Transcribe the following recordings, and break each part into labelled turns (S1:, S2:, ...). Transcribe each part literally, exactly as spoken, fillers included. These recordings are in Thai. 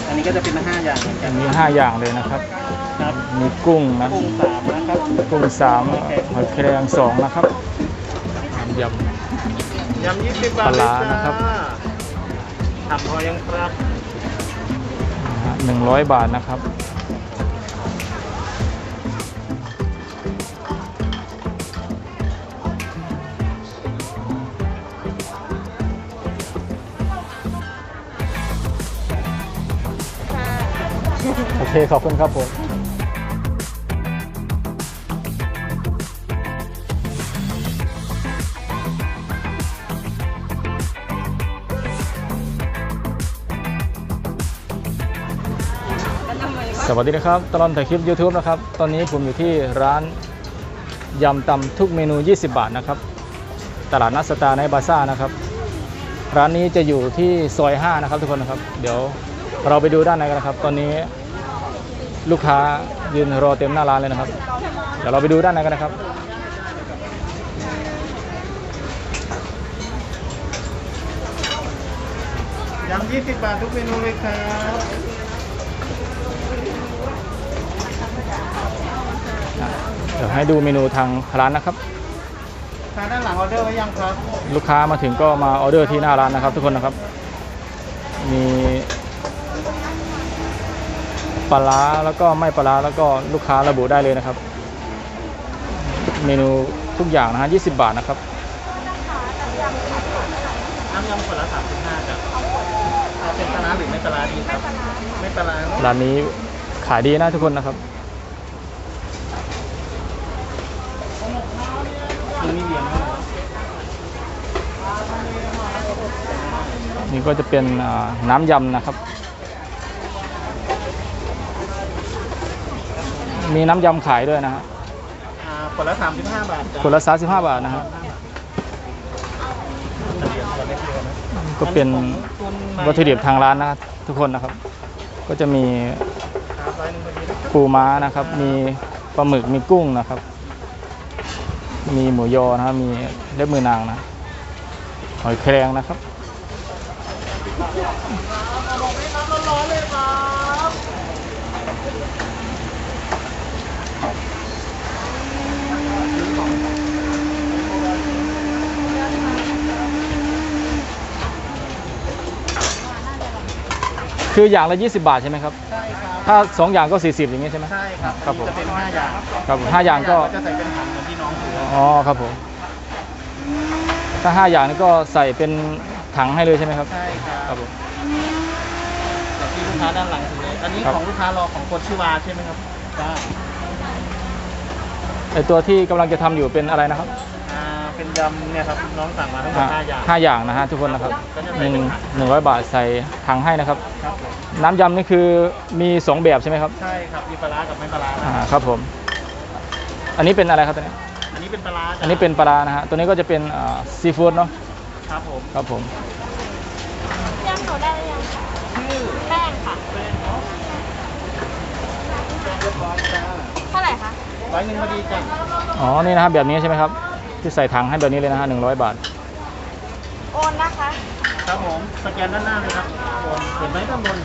S1: อันนี้ก็จะเป็นห้าอย่างเหมือนกัน
S2: มีห้าอย่างเลยนะครับ
S1: ครับ
S2: มีกุ้งนะ
S1: กุ้งสามนะครับ
S2: กุ้งสามหอยแครงสองนะครับย
S1: ยำยี่สิบบาท
S2: ปลาร้านะครับ
S1: ทำพอยังครับ
S2: หนึ่งร้อยบาทนะครับโอเคขอบคุณครับผมสวัสดีนะครับตลอดถ่ายคลิป YouTube นะครับตอนนี้ผมอยู่ที่ร้านยำตำทุกเมนูยี่สิบบาทนะครับตลาดนัดสตาร์ในบาซ่านะครับร้านนี้จะอยู่ที่ซอยห้านะครับทุกคนนะครับเดี๋ยวเราไปดูด้านในกันนะครับตอนนี้ลูกค้ายืนรอเต็มหน้าร้านเลยนะครับเดี๋ยวเราไปดูด้านในกันนะครับ
S1: ยำยี่สิบบาททุกเมนูเลยครับ
S2: เดี๋ยวให้ดูเมนูทางร้านนะครับ
S1: ทางด้านหลังออเดอร์ไว้ยังครับ
S2: ลูกค้ามาถึงก็มาออเดอร์ที่หน้าร้านนะครับทุกคนนะครับมีปลาร้าแล้วก็ไม่ปลาร้าแล้วก็ลูกค้าระบุได้เลยนะครับเมนูทุกอย่างนะฮะยี่สิบบาทนะครับ
S1: น้ำยำคนละสามสิบห้าจ้ะเอาเป็นปลาร้าหรือไม่ปลาร้าดีครับไม่ปลาร้า
S2: ร้านนี้ขายดีนะทุกคนนะครับ
S1: นี่เลี้ยง
S2: นี่ก็จะเป็นน้ำยำนะครับมีน้ำยำขายด้วยนะฮะ
S1: คนละสามสิบห้าบาท
S2: คนละสามสิบห้าบาทนะฮะก็เป็นวัตถุดิบทางร้านนะครับทุกคนนะครับก็จะมีปูม้านะครับมีปลาหมึกมีกุ้งนะครับมีหมูยอนะครับมีเล็บมือนางนะหอยแครงนะครับคืออย่างละยี่สิบบาทใช่ไหมครับ
S1: ใช่ครับ
S2: ถ้าสองอย่างก็สี่สิบอย่างนี้ใช่ไหม
S1: ใช่ครับ
S2: ครับผม
S1: จะเป็นห้าอย่าง
S2: ครับห้าอย่างก็
S1: จะใส่เป็นถังเหมือนที่น้องถือ
S2: อ๋อครับผมถ้าห้าอย่างนี้ก็ใส่เป็นถังให้เลยใช่ไหมครับ
S1: ใช่ครับ
S2: ครับผม
S1: แต่ที่ลูกค้าด้านหลังถือเลยอันนี้ของลูกค้ารอของคนชื่อวาใช่ไหมครับใช่
S2: ไอตัวที่กำลังจะทำอยู่เป็นอะไรนะครับ
S1: อ่าเป็นยำเนี่ยครับน้องสั่งมาทั้งหมดห้าอย่าง
S2: ห้าอย่างนะฮะทุกคนนะครับหนึ่งหนึ่งร้อยบาทใส่ถังให้นะครับน้ำยำนี่คือมีสองแบบใช่ไหมครับ
S1: ใช่ครับมีปลาร้ากับไม่ปลาร้า
S2: อ่าครับผมอันนี้เป็นอะไรครับตัวนี้
S1: อันนี้เป็นปลาร้า
S2: อันนี้เป็นปลาร้านะฮะตัวนี้ก็จะเป็นซีฟู้ดเนาะ
S1: ครับผม
S2: ครับผม
S3: ยำเขาได้หรือยังคะชื่อแป้งค่ะ
S1: แป้งเนาะเรียบร้อยจ้า
S3: เท่าไหร่คะ
S1: ร้อยหนึ่งพอดีจ้ะ
S2: อ๋อนี่นะครับแบบนี้ใช่ไหมครับที่ใส่ถังให้แบบนี้เลยนะฮะหนึ่งร้อยบาท
S3: โอนนะคะ
S1: ครับผมสแกนด้านหน้าเลยครับโอนเห็นไหมด้านบน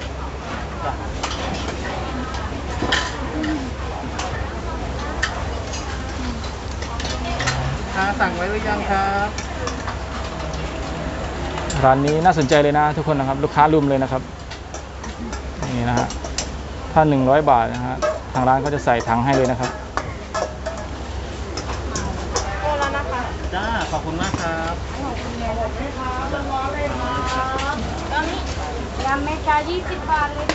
S1: สั่งไว้หรือยังครับ
S2: ร้านนี้น่าสนใจเลยนะทุกคนนะครับลูกค้ารุมเลยนะครับนี่นะฮะถ้าหนึ่งร้อยบาทนะฮะทางร้านก็จะใส่ถังให้เลยนะครับ
S3: โอนแล้วนะคะ
S1: จ้าขอบคุณมากครับ
S3: ขอบคุณเลยครับร้อนเลยครับตอนนี้ยำเมกายี่สิบบาทเลย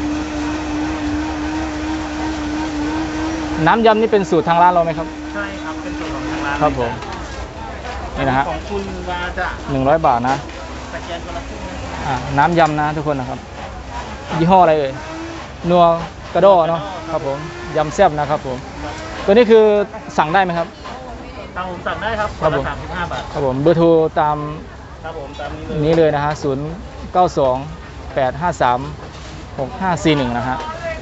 S2: น้ำยำนี่เป็นสูตรทางร้านเราไหมครับ
S1: ใช่ครับเป็นสูตรของทางร้าน
S2: ครับผมนี่นะฮะ
S1: ของคุณวาจะ
S2: หนึ่งร้อยบาทนะ
S1: สแกนคนละครึ่ง
S2: อ่าน้ำยำนะทุกคนนะครับยี่ห้ออะไรเอ่ยนัวกระโดเนาะครับผมยำแซ่บนะครับผมตัวนี้คือสั่งได้ไหมครับ
S1: ทางผมสั่งได้ครับคนละสามสิบห้าบาท
S2: ครับผมเบอร์โทรตาม
S1: ครับผมตามนี้เลย
S2: นี้เลยนะฮะศูนย์เก้าสองแปดห้าสามหกห้าสี่หนึ่งนะฮะ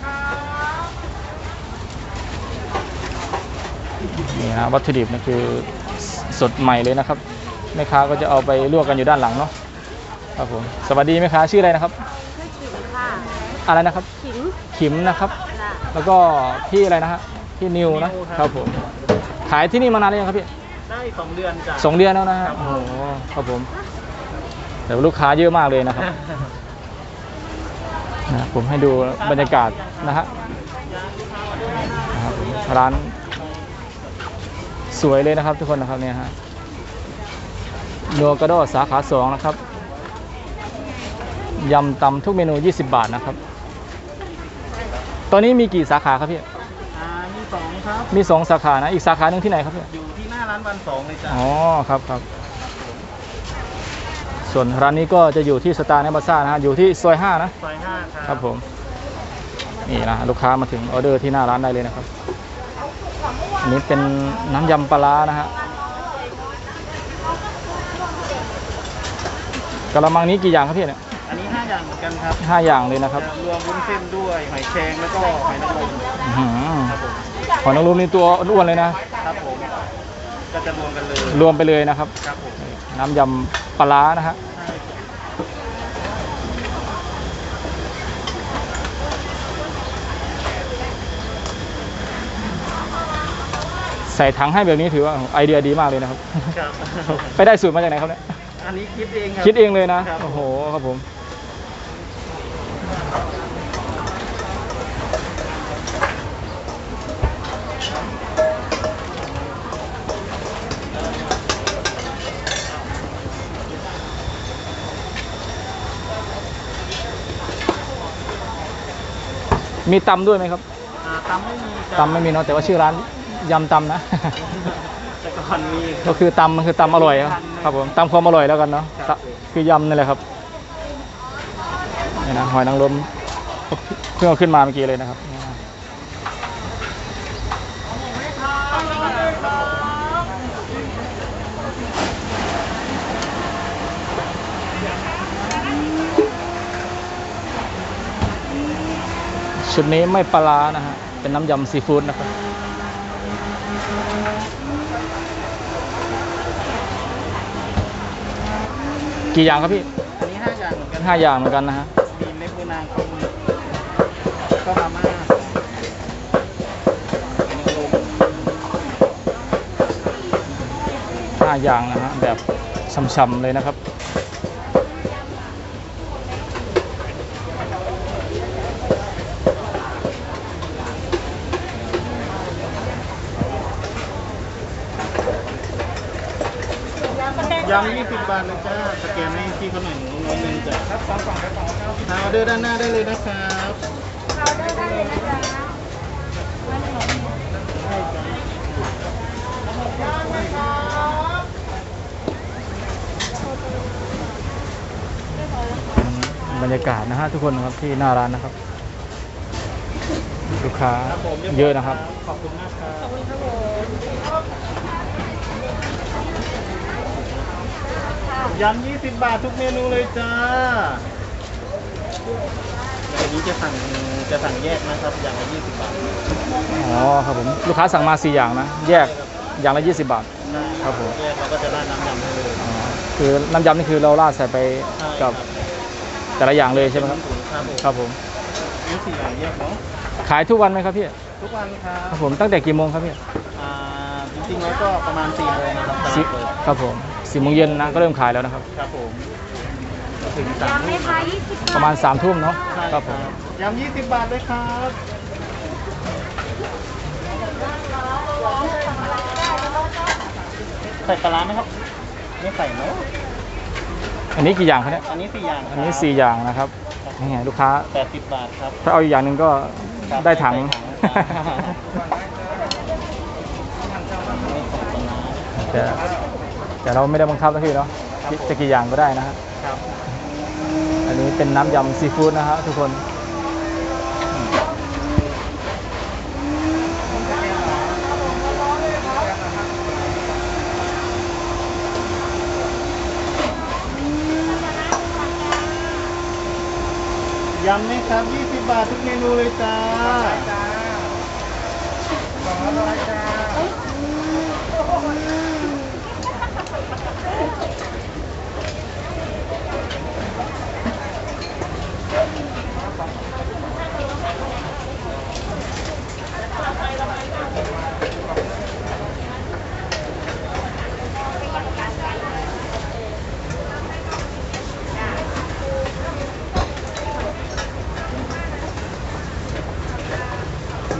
S2: นี่นะวัตถุดิบนี่คือสดใหม่เลยนะครับแม่ค้าก็จะเอาไปลวกกันอยู่ด้านหลังเนาะครับผมสวัสดีแม่ค้าชื่ออะไรนะครับ
S3: ชื่อขิมค่ะ
S2: อะไรนะครับ
S3: ขิง
S2: ขิมนะครับ
S3: จ้ะ
S2: แล้วก็พี่อะไรนะฮะพี่นิวนะครับผมขายที่นี่มานานหรือยังครับพี่
S1: ได้สองเดือนจ้ะ
S2: สองเดือนแล้วนะฮะ
S1: ครับ
S2: โอ้โหครับผมเดี๋ยวลูกค้าเยอะมากเลยนะครับนะผมให้ดูบรรยากาศนะฮะนะครับผมร้านสวยเลยนะครับทุกคนนะครับเนี่ยฮะนัวกระโดดสาขาสองนะครับยำตำทุกเมนูยี่สิบบาทนะครับตอนนี้มีกี่สาขาครับพี่
S1: อ่ามีสองครับ
S2: มีสองสาขานะอีกสาขาหนึ่งที่ไหนครับพี่
S1: อยู่ที่หน้าร้านวันสองเลยจ้ะ
S2: อ๋อครับครับส่วนร้านนี้ก็จะอยู่ที่สตาร์ในบาซ่านะฮะอยู่ที่ซอยห้านะ
S1: ซอยห้าครับ
S2: ครับผมนี่นะลูกค้ามาถึงออเดอร์ที่หน้าร้านได้เลยนะครับอันนี้เป็นน้ำยำปลาร้านะฮะกระมังนี้กี่อย่างครับพี่เนี่ย
S1: อันนี้ห้าอย่างเหมือนกันครับ
S2: ห้าอย่างเลยนะครับ
S1: จะรวมวุ้นเส้นด้วยหอยแครงแล้วก็หอยนางรม
S2: อื้อหือ
S1: ครับผม
S2: หอยนางรมนี่ตัวอ้วนๆเลยนะครับ
S1: ผมก็จะรวมกันเลย
S2: รวมไปเลยนะครับ
S1: ครับผม
S2: น้ำยำปลาร้านะฮะ
S1: ใช่ครับ
S2: ใส่ถังให้แบบนี้ถือว่าไอเดียดีมากเลยนะครับ
S1: ครับ
S2: ไปได้สูตรมาจากไหนครับเนี่ย
S1: อันนี้คิดเองครับ
S2: คิดเองเลยนะครับ โอ้โหครับผมมีตำด้วยไหมครับ
S1: อ่าตำไม่มีจ้ะ
S2: ตำไม่มีเนาะแต่ว่าชื่อร้านยำตำนะ
S1: แต่ก่อนมี
S2: ก็คือตำมันคือตำอร่อยครับครับผมตำความอร่อยแล้วกันเนาะ
S1: ครับ
S2: ตะคือยำนี่แหละครับนี่นะหอยนางรมเพิ่งเอาขึ้นมาเมื่อกี้เลยนะครับนี่นะชุดนี้ไม่ปลาร้านะฮะเป็นน้ำยำซีฟู้ดนะครับกี่อย่างครับพี่
S1: อันนี้ห้าอย่างเหมือนกัน
S2: ห้าอย่างเหมือนกันนะฮะ
S1: มีเล็บมือนางคมก็มาม่าหอยนางรม
S2: ห้าอย่างนะฮะแบบช่ำๆเลยนะครับ
S1: ยำยี่สิบบาทเลยจ้าสแกนให้พี่เขาหน่อยหนึ่งร้อยหนึ่งจ้ะครับสองกล่องครับสองเก้าสิบออเดอร์ด้านหน้าได้เลยนะครับ
S3: เราได้ได้เลยนะจ๊ะ
S2: บรรยากาศนะฮะทุกคนนะครับที่หน้าร้านนะครับลูกค้า
S1: ครับผม
S2: เยอะนะครับ
S1: ขอบคุณมากครับ
S3: ขอบคุณครับผม
S1: ยำยี่สิบบาททุกเมนูเลยจ้าแต่อันนี้จะสั่งจะสั่งแยกนะครับอย่างละยี่สิบบาท
S2: อ๋อครับผมลูกค้าสั่งมาสี่อย่างนะแยกอย่างละยี่สิบบาท ครับผม
S1: แยกเราก็จะราดน้ำยำให้เลย
S2: อ๋อคือน้ำยำนี่คือเราราดใส่ไปกับแต่ละอย่างเลยใช่ไหมครับ
S1: ถุงครับผม
S2: ครับผม
S1: นี่สี่อย่างแยกเนาะ
S2: ขายทุกวันไหมครับพี่
S1: ทุกวันครั
S2: ครับ บผมตั้งแต่กี่โมงครับพี่
S1: อ่าจริงๆแล้วก็ประมาณสี่โมงนะครับตลา
S2: สิ
S1: ดเปิด
S2: ครับผมสี่โมงเย็นนะก็เริ่มขายแล้วนะครับ
S1: ครับผมถึงสาม
S3: ยำไหม
S1: ทุ่ม
S3: คะยี่สิบ
S2: ประมาณสามทุ่มเนาะ
S1: ใช่
S2: ครับผม
S1: ยำยี่สิบบาทเลยครับ ใส่ปลาร้าไหมครับไม่ใส่เนาะ
S2: อันนี้กี่อย่างครับเนี่ย
S1: อันนี้สี่อย่างครับ
S2: อันนี้สี่อย่างนะครับนี่ไงลูกค้า
S1: แปดสิบบาทครับ
S2: ถ้าเอาอีกอย่างหนึ่งก็
S1: ครับ
S2: ได้ถัง
S1: ได้ถัง นี่ของปลาร้า
S2: แต่แต่เราไม่ได้บังคับนะพี่เนาะ
S1: ครับผม
S2: จะกี่อย่างก็ได้นะฮะ
S1: ครับ
S2: อันนี้เป็นน้ำยำซีฟู้ดนะฮะทุกคน
S1: ยำไหมครับยี่สิบบาททุกเมนูเลยจ้าสองร้อยจ้า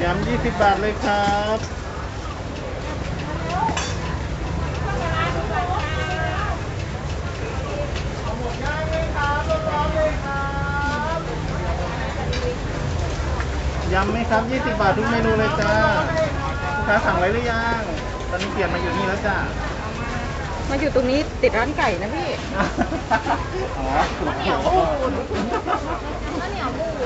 S1: ำยี่สิบบาทเลยครับยำไหมครับยี่สิบบาททุกเมนูเลยจ้าลูกค้าสั่งไว้หรือยังตอนนี้เปลี่ยนมาอยู่นี่แล้วจ้า
S3: มาอยู่ตรงนี้ติดร้านไก่นะพี่
S1: อ๋อข้าวเหนียวมูดข้าวเหนียวมูด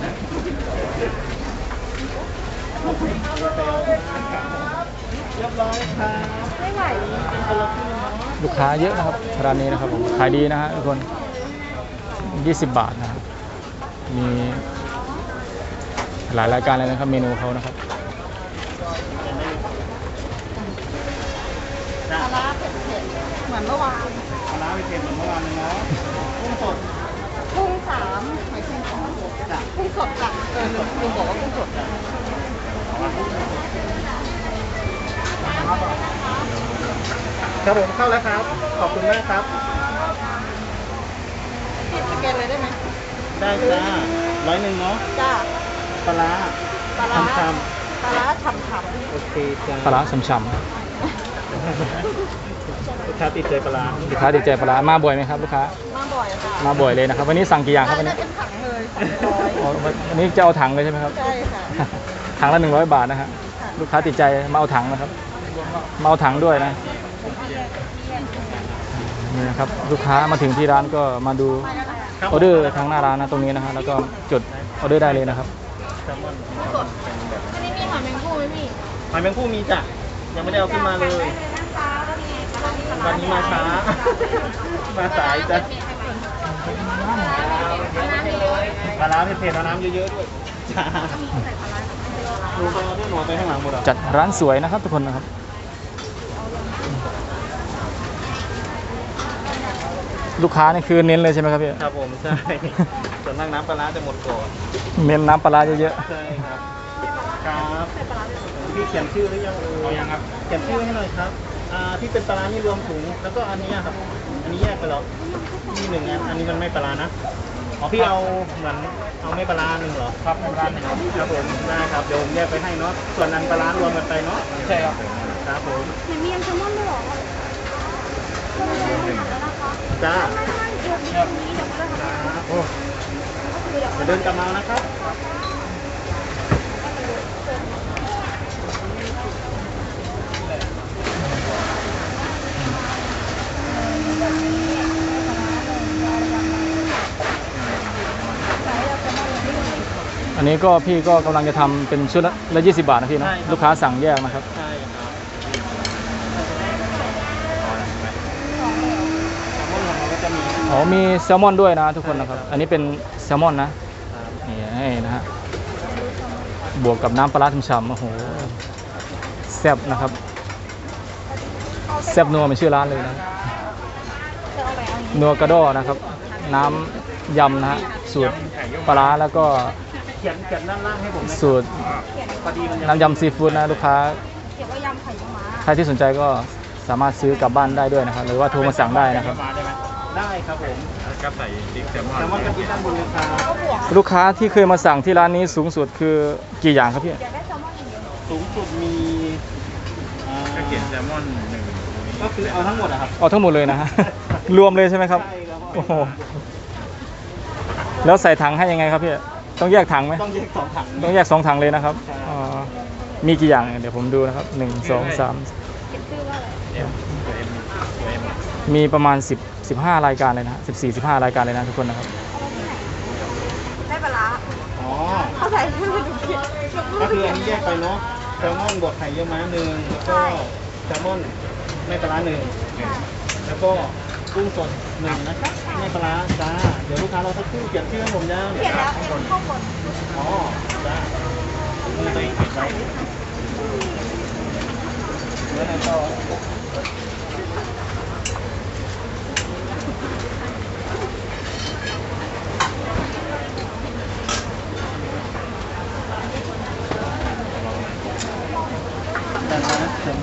S1: เรียบร้อยครับไม่ไหว
S2: ลูกค้าเยอะนะครับร้านนี้นะครับผมขายดีนะฮะทุกคนยี่สิบบาทนะครับมีหลายรายการเลยนะครับเมนูเขานะครับ
S1: จ้า
S3: ปลาร้าเผ็ดๆเหมือนเมื่อวาน
S1: ปลาร้าไปเค็มเหมือนเมื่อวานเลยเนาะกุ้งสด
S3: กุ้งสามหอยแครงสอง
S1: จ้ะ
S3: กุ้งสดจ้ะเออลุงลุงบอกว่ากุ้งสดจ้ะ
S1: ครับผมเข้าแล้วครับ ขอบคุณมากครับ
S3: สแกนเลยได้ไหม
S1: ได้จ้าร้อยหนึ่งเนาะ
S3: จ้า
S1: ปลาร้า
S3: ปลาร้า
S1: ช
S3: ปลาร้าฉ่ำ
S1: ๆโอเคจ้า
S2: ปลาร้าฉ่ำ
S1: ลูกค้าติดใจปลาร้า
S2: ๆลูกค้าดีใจปลาร้ามาบ่อยไหมครับลูกค้า
S3: ๆมาบ่อยค่ะ
S2: มาบ่อยเลยนะครับวันนี้สั่งกี่อย่างครับวัน
S3: ได้
S2: นี้
S3: เป็นถังเลยสามร้อย
S2: อ๋อวันนี้จะเอาถังเลยใช่ไหมครับ
S3: ใช่ค่ะ
S2: ถังละหนึ่งร้อยบาทนะฮะลูกค้าติดใจมาเอาถังนะครับมาเอาถังด้วยนะนี่นะครับลูกค้ามาถึงที่ร้านก็มาดูออเดอร์ทางหน้าร้านนะตรงนี้นะฮะแล้วก็จดออเดอร์ได้เลยนะครับ
S1: แซลมอน
S3: อันนี้มีหอยแมงภู่ไหมพี่
S1: หอยแมงภู่มีจ้ะยังไม่ได้เอาขึ้นมาเลย วันนี้มาช้า มาสายจ้ะปลาร้าเผ็ดๆเอาน้ำเยอะๆด้วยจ้าดูไปเอาด้วยหนูไปข้างหลังหมดอ่ะ
S2: จัดร้านสวยนะครับทุกคนนะครับลูกค้านี่คือเน้นเลยใช่ไหมครับพี่
S1: ครับผมใช่ส่วนมากน้ำปลาร้าจะหมดก่อน
S2: เน้นน้ำปลาร้าเยอะ
S1: ใช่ครับครับพี่เขียนชื่อหรือยังเอ่ยยังครับเขียนชื่อให้หน่อยครับอ่าที่เป็นปลาร้านี่รวมถุงแล้วก็อันนี้ครับอันนี้แยกไปหรอมีหนึ่งอันอันนี้มันไม่ปลาร้านะอ๋อพี่เอาเหมือนเอาไม่ปลาร้าหนึ่งเหรอครับปลาร้าหนึ่งครับผมได้ครับเดี๋ยวผมแยกไปให้เนาะส่วนอันปลาร้ารวมกันไปเนาะใช่ครับครับผม
S3: มียำแซลมอนด้วยเหรอ
S1: จ้าครับโอ้จะเดินกลับมานะครับ
S2: ๆอันนี้ก็พี่ก็กำลังจะทำเป็นชุดละยี่สิบบาทนะพี่เนาะลูกค้าสั่งแยกนะครับ
S1: ใช่ครับก็จะมี
S2: อ๋อมีแซลมอนด้วยนะทุกคนนะครับอันนี้เป็นแซลมอนนะนี่ให้นะฮะบวกกับน้ำปลาร้าฉ่ำๆโอ้โหแซ่บนะครับแซ่บนัวเป็นชื่อร้านเลยนะนัวกระโดอนะครับน้ำยำนะฮะสูตรปลาร้าแล้วก็
S1: เขียนเขียนด้านล่างให้ผมนะ
S2: สูตร
S1: พอดีมันยัง
S2: น้ำยำซีฟู้ดนะลูกค้า
S3: เขียนว่ายำไข่ม้า
S2: ใครที่สนใจก็สามารถซื้อกลับบ้านได้ด้วยนะครับหรือว่าโทรมาสั่งได้นะครับ
S1: มาได้ไหมได้ครับผม
S4: ก็ใส่ดิ๊กแซลมอน
S1: แซลมอนกะทิด้านบนเลยครับ
S2: ลูกค้าที่เคยมาสั่งที่ร้านนี้สูงสุดคือกี่อย่างครับพี่
S3: อยากได้แซลมอนอย่างเดียว
S1: สูงสุดมีอ่า
S4: ก็เขียนแซลมอนหนึ่ง
S1: ก็คือเอาทั้งหมดอะครับ
S2: เอาทั้งหมดเลยนะฮะ รวมเลยใช่ไหมครับ
S1: ใช่ครับ
S2: โอ้โหแล้วใส่ถังให้ยังไงครับพี่ต้องแยกถังไหม
S1: ต้องแยกสองถัง
S2: ต้องแยกสองถังเลยนะครับ
S1: ใช่
S2: อ๋อมีกี่อย่างเดี๋ยวผมดูนะครับหนึ่งสองสาม
S3: เขียนชื่อว่าอะไร
S4: เอ็มตัวเอ็มตัวเอ็ม
S2: มีประมาณสิบ สิบห้ารายการเลยนะสิบสี่ สิบห้ารายการเลยนะทุกคนนะครับ
S3: ได้ปลาร้า
S1: อ๋อ
S3: เขาใส่ให้มันดูเขียน
S1: ก็คืออันนี้แยกไปเนาะแซลมอนบวกไข่เยี่ยวม้าหนึ่งแล้วก็แซลมอนไม่ปลาร้าหนึ่งแล้วก็กุ้งสดหนึ่งนะครับไม่ปลาร้าจ้าเดี๋ยวลูกค้าเราสักครู่เขียนชื่อให้ผมยัง
S3: เขียนแล้วเอ็มข้างบน
S1: อ๋อจ้ามือตัวเองเขียนไว้แล้วไหนต่อด้านหน้า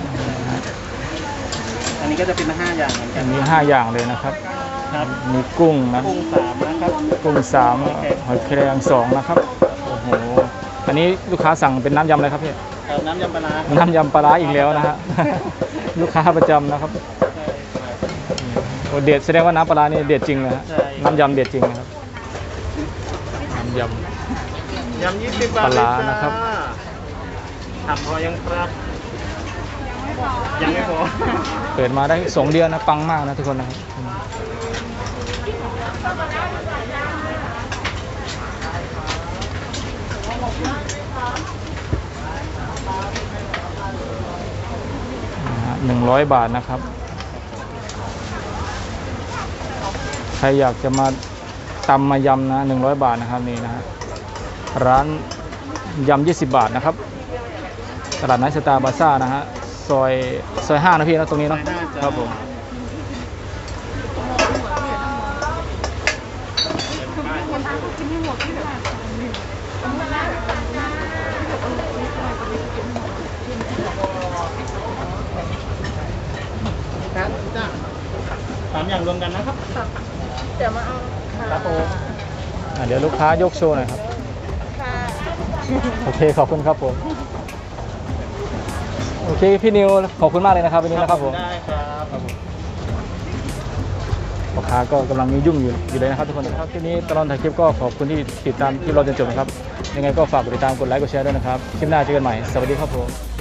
S1: อันนี้ก็จะเป็นห้าอย่างเหมือนกั
S2: อั
S1: น
S2: นนี้ห้าอย่างเลยนะครับ
S1: ครับ
S2: มีกุ้งนะ
S1: กุ้งสามนะครับ
S2: กุ้งสามหอยแครงสองนะครับโอ้โหอันนี้ลูกค้าสั่งเป็นน้ำยำอะไรครับพี่
S1: เอ่อน้ำยำปลาร้า
S2: น้ำยำปลาร้าอีกแล้วนะฮะ ลูกค้าประจำนะครับโอ้เด็ดแสดงว่าน้ำปลาร้านี่เด็ดจริงเลยฮะน้ำยำเด็ดจริงนะครับน้ำย
S1: ยำยี่สิบบาท
S2: ปลาร้า
S1: เลยจ้
S2: นะครับ
S1: ทำพอยังครับ ยังไม่พอ
S2: ำเปิดมาได้สองเดือนนะปังมากนะทุกคนนะครับหนึ่งร้อยบาทนะครับใครอยากจะมาตำมายำนะหนึ่งร้อยบาทนะครับนี่นะฮะร้านยำยี่สิบบาทนะครับตลาดนัดสตาร์บาซ่านะฮะซอยซอยห้านะพี่นะตรงนี้เนาะ
S1: ซอยห้าจ้ะ
S2: ครับผม
S1: ครับจ้าสามอย่างรวมกันนะครับ
S3: เดี๋ยวมาเอา
S1: ครับผม
S2: อ่ะเดี๋ยวลูกค้ายกโชว์หน่อยครับ
S3: ค่ะ
S2: โอเคขอบคุณครับผมโอเคพี่นิวขอบคุณมากเลยนะครับวันนี้นะครับผม
S1: ได้ครับ
S2: ครับผมลูกค้าก็กำลังยุ่งอยู่อยู่เลยนะครับทุกคนนะครับทีนี้ตลอดถ่ายคลิปก็ขอบคุณที่ติดตามคลิปเราจนจบนะครับยังไงก็ฝากกดติดตามกดไลค์กดแชร์ด้วยนะครับคลิปหน้าเจอกันใหม่สวัสดีครับผม